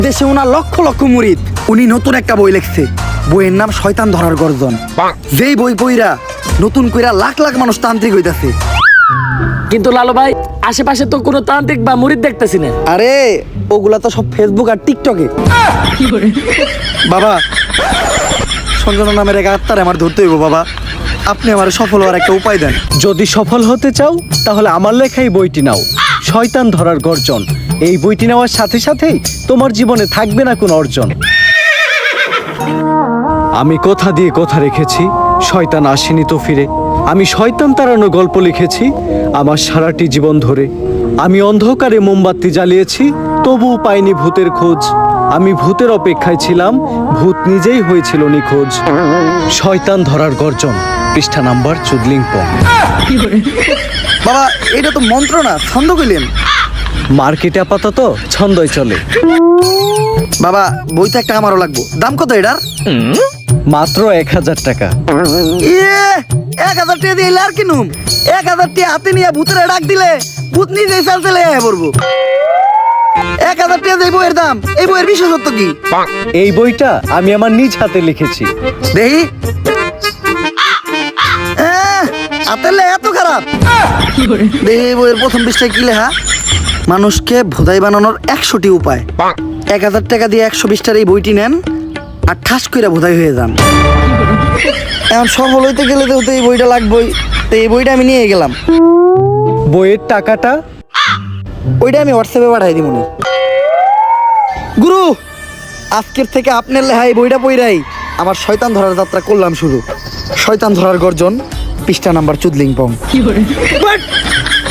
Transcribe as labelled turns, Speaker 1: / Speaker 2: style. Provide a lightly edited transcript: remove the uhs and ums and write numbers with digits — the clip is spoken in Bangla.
Speaker 1: দেশে ওনার লক্ষ লক্ষ মুরিদ। উনি নতুন একটা বই লিখছে, বইয়ের নাম শয়তান ধরার গর্জন। যেই বই পইরা নতুন কইরা লাখ লাখ মানুষ তান্ত্রিক হইতাছে।
Speaker 2: কিন্তু লালু ভাই, আশেপাশে তো কোনো তান্ত্রিক বা মুরিদ দেখতেছি না।
Speaker 1: আরে ওগুলা তো সব ফেসবুক আর টিকটকে। বাবা, সঞ্জনা নামের এক আত্মার আমার ধরতে হইব বাবা। আপনি আমার সফল হওয়ার একটা উপায় দেন।
Speaker 3: যদি সফল হতে চাও তাহলে আমার লেখাই বইটি নাও, শয়তান ধরার গর্জন। এই বইটি নেওয়ার সাথে সাথেই তোমার জীবনে থাকবে না কোনো অর্জন। আমি কথা দিয়ে কথা রেখেছি, শয়তান আসেনি তো ফিরে। আমি শয়তান তাড়ানো গল্প লিখেছি আমার সারাটি জীবন ধরে। আমি অন্ধকারে মোমবাতি জ্বালিয়েছি, তবুও পাইনি ভূতের খোঁজ। আমি ভূতের অপেক্ষায় ছিলাম, ভূত নিজেই হয়েছিল নিখোঁজ। শয়তান ধরার গর্জন, পৃষ্ঠা নাম্বার চুদলিংপং।
Speaker 1: বাবা, এটা তো মন্ত্র না, ছন্দ কইলেন।
Speaker 3: মার্কেটে আপাতত ছন্দই চলে।
Speaker 1: বাবা, বইটা একটা আমারও লাগবো। দাম কত এটার?
Speaker 3: মাত্র 1000 টাকা।
Speaker 1: ইয়ে, 1000 টাকা দিয়ে আর কিনুম? 1000 টাকা হাতে নিয়ে ভূতের ডাক দিলে ভূত নিজেই চাল চলে আয় পড়বো। 1000 টাকা এই বইয়ের দাম, এই বইয়ের বিশেষত্ব কি?
Speaker 3: এই বইটা আমি আমার নিজ হাতে লিখেছি।
Speaker 1: দেখি। হাতের এত খারাপ? দেখি এই বইয়ের প্রথম পৃষ্ঠায় কি লেখা? মানুষকে ভোদাই বানানোর 100টি উপায়। 1000 টাকা দিয়ে 120টার এই বইটি নেন আর ঠাস কইরা ভোদাই হয়ে যান। এখন সফল হইতে গেলে তো এই বইটা লাগবেই। তো এই বইটা আমি নিয়ে গেলাম।
Speaker 3: বইয়ের টাকাটা?
Speaker 1: ওইটা আমি হোয়াটসঅ্যাপে পাঠাই দিব। গুরু, আজকের থেকে আপনার লেখা এই বইটা পইরাই আমার শয়তান ধরার যাত্রা করলাম শুরু। শয়তান ধরার গর্জন, পৃষ্ঠা নাম্বার চুদলিংপং।